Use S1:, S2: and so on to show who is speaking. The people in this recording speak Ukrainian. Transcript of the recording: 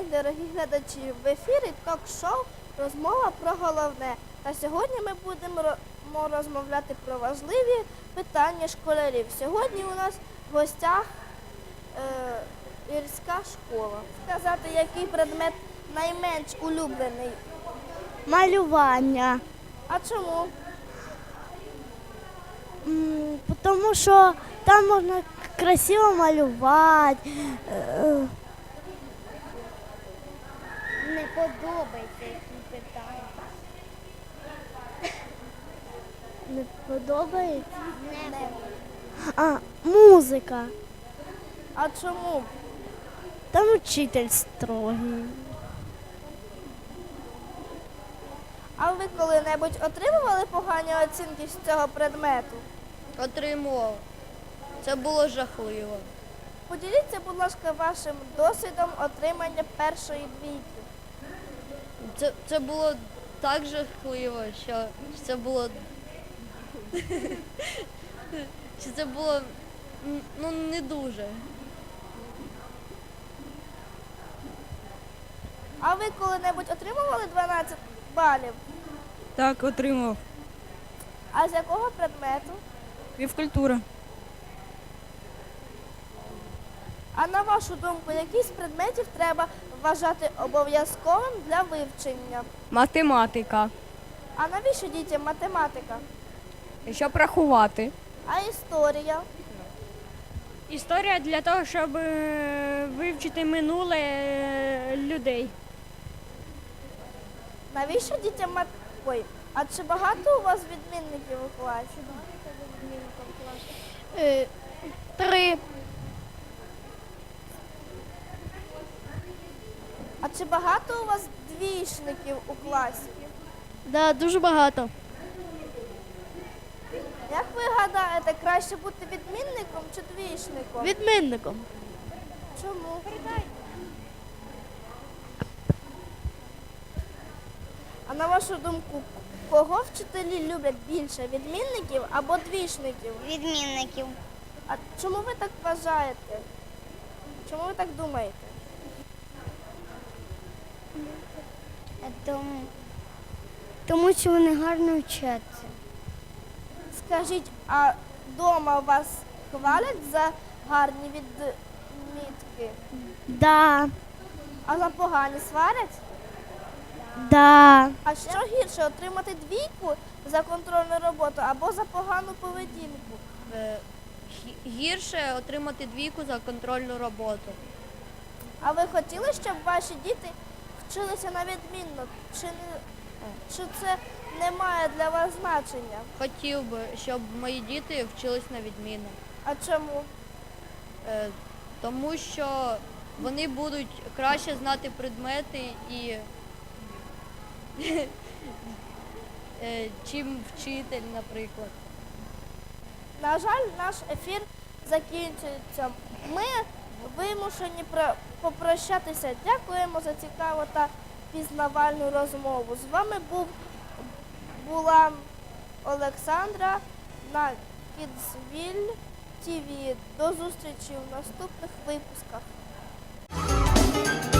S1: день, дорогі глядачі! В ефірі ток-шоу «Розмова про головне». Та сьогодні ми будемо розмовляти про важливі питання школярів. Сьогодні у нас в гостях гірська школа. Сказати, який предмет найменш улюблений?
S2: Малювання.
S1: А чому?
S2: Тому що там можна красиво малювати. Не подобається, які питання. Не подобається?
S1: Не.
S2: А, музика.
S1: А чому?
S2: Там учитель строгий.
S1: А ви коли-небудь отримували погані оцінки з цього предмету?
S3: Отримував. Це було жахливо.
S1: Поділіться, будь ласка, вашим досвідом отримання першої двійки.
S3: Це було так жахливо, що це було. Що це було не дуже.
S1: А ви коли-небудь отримували 12 балів?
S4: Так, отримав.
S1: А з якого предмету?
S4: Фізкультура.
S1: А на вашу думку, який з предметів треба вважати обов'язковим для вивчення?
S4: Математика.
S1: А навіщо дітям математика?
S4: Щоб рахувати.
S1: А історія?
S4: Історія для того, щоб вивчити минуле людей.
S1: Навіщо дітям Ой, а чи багато у вас відмінників у класі?
S2: 3.
S1: А чи багато у вас двічників у класі?
S2: Да, дуже багато.
S1: Як ви гадаєте, краще бути відмінником чи двічником?
S2: Відмінником.
S1: Чому? А на вашу думку, кого вчителі люблять більше, відмінників або двічників?
S2: Відмінників.
S1: А чому ви так вважаєте? Чому ви так думаєте?
S2: Тому що вони гарно вчаться.
S1: Скажіть, а вдома вас хвалять за гарні відмітки?
S2: Да.
S1: А за погані сварять?
S2: Да.
S1: А що гірше, отримати двійку за контрольну роботу або за погану поведінку?
S3: Гірше отримати двійку за контрольну роботу.
S1: А ви хотіли, щоб ваші діти вчилися на відмінно? Чи це не має для вас значення?
S3: Хотів би, щоб мої діти вчились на відмінно.
S1: А чому?
S3: Тому що вони будуть краще знати предмети і чим вчитель, наприклад.
S1: На жаль, наш ефір закінчується. Ми вимушені попрощатися. Дякуємо за цікаву та пізнавальну розмову. З вами була Олександра на Kidsville TV. До зустрічі в наступних випусках.